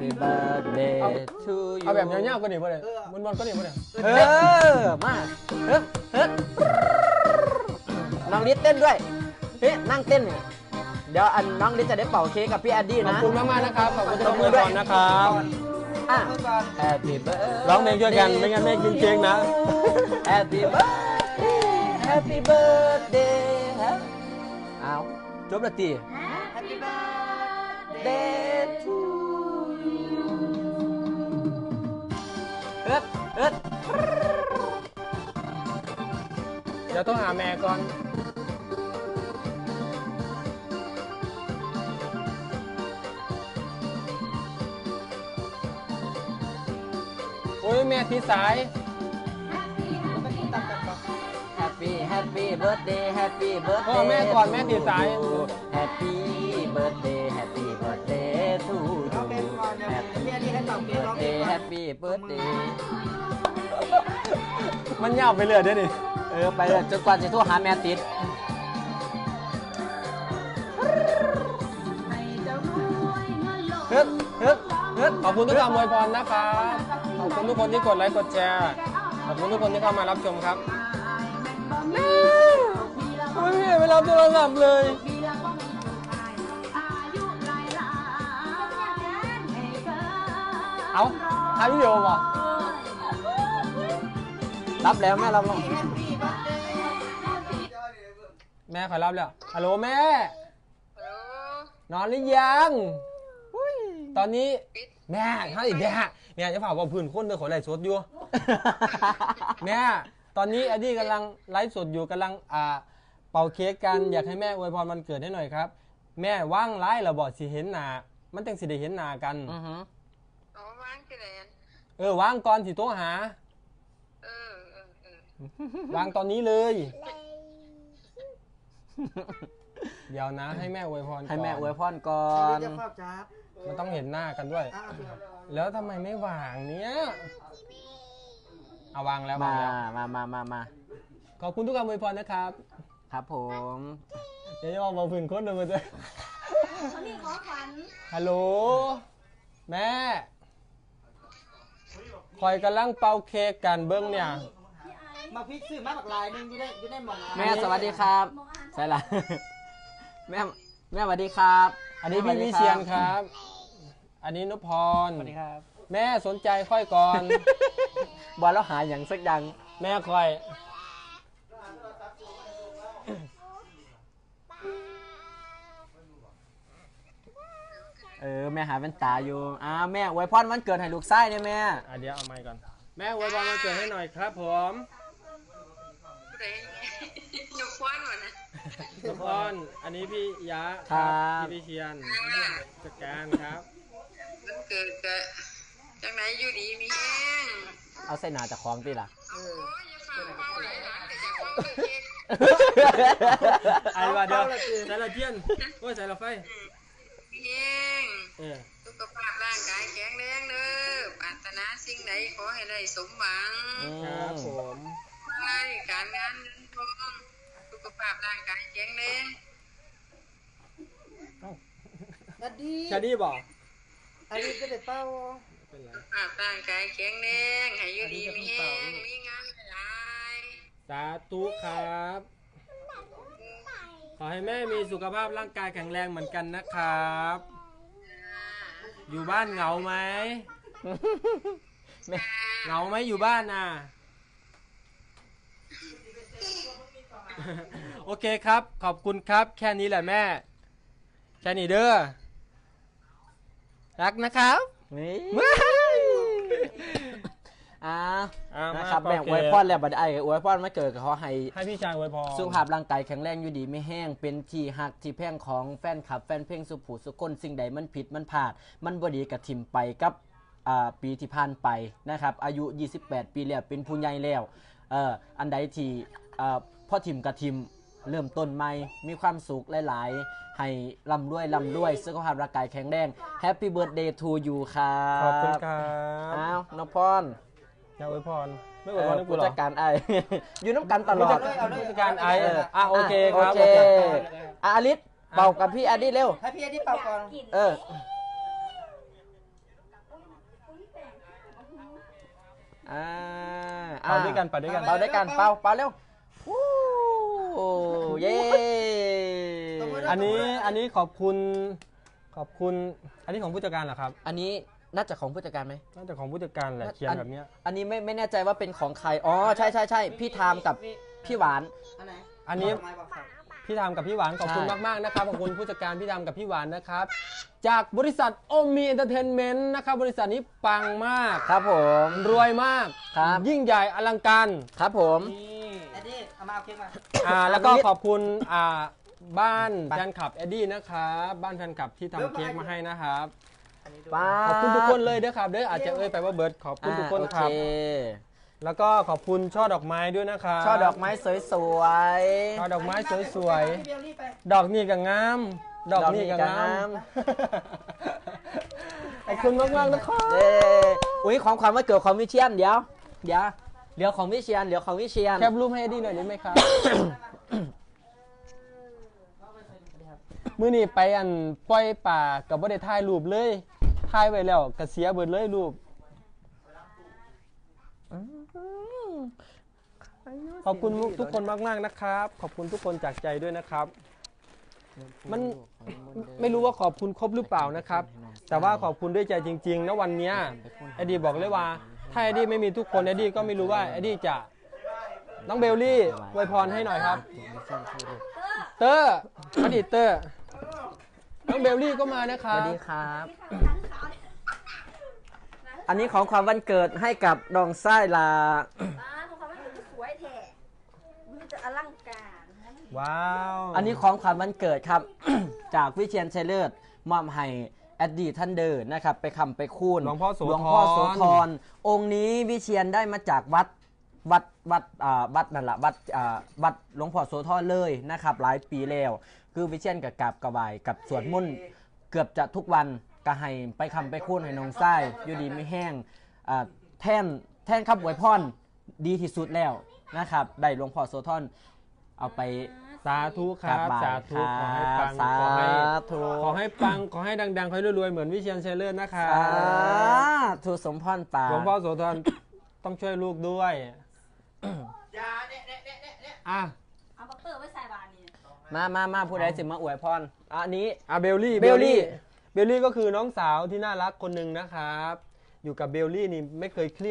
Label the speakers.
Speaker 1: Happy birthday to you
Speaker 2: เอาแบบเงี้ยๆก็ดีป่ะเนี่ยมันก็ดีป่ะเนี่ย
Speaker 1: มาเฮ้ยน้องลิศเต้นด้วยเฮ้ยนั่งเต้นเนี่ยเดี๋ยวน้องลิศจะได้เป่าเค้กกับพี่แอดดี้นะ
Speaker 2: ขอบคุณมากๆนะครับขอบคุณทุกคนด้วยนะครับ
Speaker 1: Happy birthday
Speaker 2: ร้องเพลงช่วยกันไม่งั้นไม่กินเค้กนะ
Speaker 1: Happy birthday Happy birthday เอาจบละตี
Speaker 3: Happy birthday
Speaker 1: to you เอิด
Speaker 2: เดี๋ยวต้องหาแม่ก่อนโอ้ยแม่ที่สาย
Speaker 1: Happy birthday Happy
Speaker 2: พ่อ
Speaker 1: birthday
Speaker 2: แม่ก่อนแม่ที่สาย
Speaker 1: Happy birthday Happy birthday to you
Speaker 3: เอาเป็นก่อนเดี๋ยวพี่อันนี้ให้ตอบเกมร้องเพลง
Speaker 1: Happy birthday
Speaker 2: มันยาวไปเลยเดี๋ยวดิ
Speaker 1: ไปเลยจนกว่าจะโทรหาแม่ติดเฮ้ย
Speaker 2: ขอบคุณทุกคำอวยพรนะครับขอบคุณทุกคนที่กดไลค์กดแชร์ขอบคุณทุกคนที่เข้ามารับชมครับไม่มีเวลาโทรศัพท์เลยเอาถ่ายวิดีโอป่ะ
Speaker 1: รับแล้วแม่รับแล้ว
Speaker 2: แม่ขอรับแล้วฮัลโหลแม่นอนหรือยังตอนนี้แม่ให้แม่จะเผาพื้นคนเดินขอไลฟ์สดอยู่ แม่ตอนนี้อดี้กำลังไลฟ์สดอยู่กำลังเป่าเค้กกันอยากให้แม่อวยพรวันเกิดให้หน่อยครับแม่ว่างไลฟ์เราบอกสิเห็นหน้ามันจังสิได้เห็นหน้ากัน
Speaker 4: ว่างที่ไหน
Speaker 2: ว่างก่อนสิโทรหา วางตอนนี้เลยเดี๋ยวนะให้แม่อวยพรก่อน
Speaker 1: ให้แม่อวยพรก่อน
Speaker 2: มันต้องเห็นหน้ากันด้วยแล้วทำไมไม่วางเนี้ยเอาวางแล้ว
Speaker 1: มา
Speaker 2: ขอบคุณทุกคำอวยพรนะครับ
Speaker 1: ครับผม
Speaker 2: เดี๋ยวจะมาพื้นคนเลยมันจะ
Speaker 3: นี่ขอขวัญ
Speaker 2: ฮัลโหลแม่คอยกำลังเป่าเค้กกันเบิ้งเนี่ย
Speaker 3: มาพิซซื้อมาบักลายนึงอยู่ได้หมด
Speaker 1: แม่สวัสดีครับใช่ละแม่สวัสดีครับ
Speaker 2: อันนี้พี่วิเชียนครับ อันนี้นพพร
Speaker 1: สวัสดีครับ
Speaker 2: แม่สนใจค่อยก่อน
Speaker 1: บอลแล้วหาอย่างสักอย่าง
Speaker 2: แม่ค่อย
Speaker 1: แม่หาเป็นตาอยู่แม่อวยพรวันเกิดให้ลูกชายเนี่ยแม่
Speaker 2: เดี๋ยวเอาไมค์ก่อนแม่อวยพรวันเกิดให้หน่อยครับผม
Speaker 4: นกพรวะนะ
Speaker 2: นกพรอันนี้พี่ยะพี่วิเชียนจัดการครับ
Speaker 4: วันเกิดกะจังไหนอยู่ดีมีแห้ง
Speaker 1: เอาใส่หนาจากคลองตีล่ะ
Speaker 4: โอ้ยอย่าฝากเป้าไหลหลานแต่อย่าฟังเค้ก
Speaker 2: ไอ้ว่าเดี๋ยวใส่ละเทียนโอ้ยใส่ละไฟ
Speaker 4: มีแห้งสุขภาพร่างกายแข็งแรงเด้อปรารถนาสิ่งใดขอให้ได้สมหวัง
Speaker 2: ครับผม
Speaker 4: การงานเงินทองสุขภาพร่างกายแข็งแรง
Speaker 2: ชาดีบอก
Speaker 3: อันนี้ก็ได้เป้า
Speaker 4: สุขภาพร่างกายแข็งแรงให้อยู่ดีมีแห้งมีงานหลาย
Speaker 2: สาธุครับขอให้แม่มีสุขภาพร่างกายแข็งแรงเหมือนกันนะครับอยู่บ้านเหงาไหมเหงาไหมอยู่บ้านน่ะโอเคครับขอบคุณครับแค่นี้แหละแม่แค่นี้เด้อรักนะครับ
Speaker 1: นะครับแม่อวยพรแล้วบัดไอ้อวยพรมาเกิดกับเขาให้
Speaker 2: พี่ชายอวยพร
Speaker 1: สุขภาพร่างกายแข็งแรงอยู่ดีไม่แห้งเป็นที่หักที่แพงของแฟนคลับแฟนเพลงสุภูสุคนสิ่งใดมันผิดมันพลาดมันบ่ดีกับทิมไปกับปีที่ผ่านไปนะครับอายุ28ปีแล้วเป็นผู้ใหญ่แล้วอันใดที่พ่อทิมกับทิมเริ่มต้นใหม่มีความสุขหลายๆให้ร่ำรวยสุขภาพร่างกายแข็งแรง Happy Birthday to you ครับ
Speaker 2: ขอบคุณครับ
Speaker 1: น้องพร
Speaker 2: อย่าอวยพรไม่อวยพรให้กูหรอ
Speaker 1: ผู้จัดการไออยู่น้ำกันตลอด
Speaker 2: ผู้จัดการไอโอเคครับ
Speaker 1: อลิศเป่ากับพี่อดี้เร็ว
Speaker 3: ให้พี่อดี้เป่าก่อน
Speaker 2: เป่าด้วยกันเป่าด้วยกัน
Speaker 1: เป่าด้วยกันเป่าเร็ววู้เย้
Speaker 2: อันนี้ขอบคุณอันนี้ของผู้จัดการเหรอครับ
Speaker 1: อันนี้น่าจะของผู้จัดการไหม
Speaker 2: น่าจะของผู้จัดการแหละเขียนแบบเนี้ย
Speaker 1: อันนี้ไม่แน่ใจว่าเป็นของใครอ๋อใช่พี่ทามกับพี่หวาน
Speaker 3: อันไหน
Speaker 2: อันนี้
Speaker 3: ดกไม้บอกครับ
Speaker 2: พี่ทามกับพี่หวานขอบคุณ
Speaker 1: ใช่
Speaker 2: มากๆนะครับขอบคุณผู้จัดการพี่ทามกับพี่หวานนะครับจากบริษัทโอมีเอนเตอร์เทนเมนต์นะครับบริษัทนี้ปังมาก
Speaker 1: ครับผม
Speaker 2: รวยมาก
Speaker 1: ครับ
Speaker 2: ยิ่งใหญ่อลังการ
Speaker 1: ครับผม
Speaker 3: เอ็ดดี้เอามาเอาเค้กมา
Speaker 2: แล้วก็ขอบคุณบ้านแฟนคลับเอ็ดดี้นะครับบ้านแฟนคลับที่ทำเค้กมาให้นะครับ
Speaker 3: อันนี้ดู
Speaker 1: ป้า
Speaker 2: ขอบคุณทุกคนเลยนะครับเด้ออาจจะเอ่ยไปว่าเบิร์ดขอบคุณทุกคนครับ
Speaker 1: โอเ
Speaker 2: แล้วก็ขอบคุณช่อดอกไม้ด้วยนะครับ
Speaker 1: ช่อดอกไม้สวย
Speaker 2: ช่อดอกไม้สวย
Speaker 3: พี่เบลลี่ไป
Speaker 2: ๆดอกนี่ก็งามดอกนี่ก็งาม ขอบคุณมากๆนะครับ
Speaker 1: เย้อุ้ยของขวัญวันเกิดของวิเชียนเดี๋ยวเหลือของวิเชียน
Speaker 2: แคปรูปให้เอ็ดดี้หน่อยได้ไหมครับ มื้อนี้ไปปล่อยป่ากับบ่ได้ถ่ายรูปเลยถ่ายไว้แล้วก็เสียเบิดเลยรูปขอบคุณทุกคนมากๆนะครับ ขอบคุณทุกคนจากใจด้วยนะครับ มันไม่รู้ว่าขอบคุณครบหรือเปล่านะครับ แต่ว่าขอบคุณด้วยใจจริงๆนะวันเนี้ยเอ็ดดี้บอกเลยว่าถ้าเอ็ดดี้ไม่มีทุกคนเอ็ดดี้ก็ไม่รู้ว่าเอ็ดดี้จะน้องเบลลี่อวยพรให้หน่อยครับ เตอร์อดีตเตอร์น้องเบลลี่ก็มานะค
Speaker 1: ส
Speaker 2: รับ
Speaker 1: วัสดีครับ อันนี้ของความวันเกิดให้กับดองไส้ลา
Speaker 5: ของเขามันสวยแท้มันจะอลังการ
Speaker 2: ว้าว
Speaker 1: อันนี้ของขวัญวันเกิดครับ จากวิเชียนชัยเลิศมอบให้แอดดี้ท่านเดินนะครับไปคำไปคูณ
Speaker 2: หลวงพ่อโส
Speaker 1: หลวงพ่อโสธ
Speaker 2: ธ
Speaker 1: รองค์นี้วิเชียนได้มาจากวัดนั่นแหละวัดหลวงพ่อโสธรเลยนะครับหลายปีแล้วคือวิเชียนกับกราบกระบายกับสวดมนต์เกือบจะทุกวันก็ให้ไปคำไปคูณให้น้องไส้อยู่ดีไม่แห้งแท่นครับอวยพรดีที่สุดแล้วนะครับได้หลวงพ่อโสธรเอาไป
Speaker 2: สาธุครับ
Speaker 1: กราบไหว้
Speaker 2: สาธุ
Speaker 1: ครับ
Speaker 2: ขอให้ปัง
Speaker 1: สาธุ
Speaker 2: ขอให้ปังขอให้ดังๆขอให้รวยๆเหมือนวิเชียรชัยเลิศนะคะ
Speaker 1: ทูสมพรปา
Speaker 2: หลวงพ่อโสธรต้องช่วยลูกด้วยอ่ะ
Speaker 5: เอาบักเตอร์ไว้ใส่บานนี่
Speaker 1: มาผู้ใดสิมาอวยพรอันนี้
Speaker 2: เบลลี่
Speaker 1: เบลลี่
Speaker 2: เบลลี่ก็คือน้องสาวที่น่ารักคนหนึ่งนะครับ อยู่กับเบลลี่นี่ไม่เคยเครียด